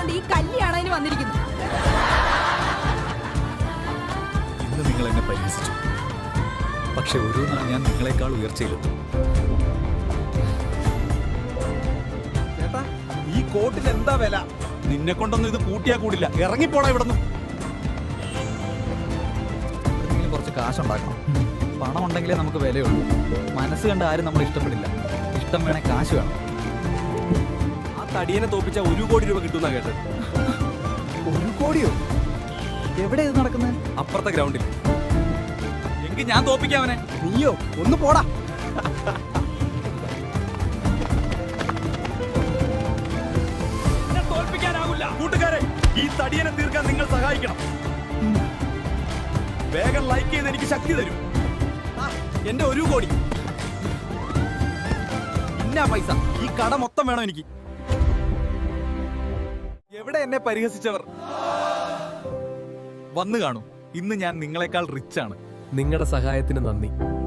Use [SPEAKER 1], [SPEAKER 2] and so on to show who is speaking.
[SPEAKER 1] ഈ കല്യാണത്തിന് വന്നിരിക്കുന്നു.
[SPEAKER 2] ഇന്ന് നിങ്ങൾ എന്നെ പരിഹസിച്ചു, പക്ഷെ ഒരു നാൾ ഞാൻ നിങ്ങളെക്കാൾ ഉയർച്ചയിലെത്തും.
[SPEAKER 3] ചേട്ടാ, ഈ കോട്ടിന് എന്താ വില? നിന്നെ കൊണ്ടൊന്നും ഇത് കൂട്ടിയാ കൂടില്ല. ഇറങ്ങിപ്പോടാ ഇവിടുന്ന്.
[SPEAKER 2] എന്തെങ്കിലും കുറച്ച് കാശുണ്ടാക്കണം. പണം ഉണ്ടെങ്കിലേ നമുക്ക് വിലയുള്ളൂ. മനസ്സ് കണ്ട് ആരും നമ്മൾ ഇഷ്ടപ്പെടില്ല. ഇഷ്ടം വേണേ കാശ് വേണം.
[SPEAKER 3] ആ തടിയനെ തോപ്പിച്ച 1 കോടി രൂപ കിട്ടുന്ന കേട്ടത്.
[SPEAKER 2] 1 കോടിയോ? എവിടെ ഇത് നടക്കുന്നത്?
[SPEAKER 3] അപ്പുറത്തെ ഗ്രൗണ്ടിൽ. എങ്കിൽ ഞാൻ തോപ്പിക്കാവനെ.
[SPEAKER 4] നീയോ? ഒന്ന് പോടാ.
[SPEAKER 3] തോൽപ്പിക്കാനാവില്ല. കൂട്ടുകാരെ, ഈ തടിയനെ തീർക്കാൻ നിങ്ങൾ സഹായിക്കണം. വേഗം ലൈക്ക് ചെയ്ത് എനിക്ക് ശക്തി തരും. എന്റെ 1 കോടി. ഇന്ന പൈസ. ഈ കട മൊത്തം വേണം എനിക്ക്. എവിടെ എന്നെ പരിഹസിച്ചവർ?
[SPEAKER 2] വന്നു കാണൂ. ഇന്ന് ഞാൻ നിങ്ങളെക്കാൾ റിച്ച് ആണ്.
[SPEAKER 5] നിങ്ങളുടെ സഹായത്തിന് നന്ദി.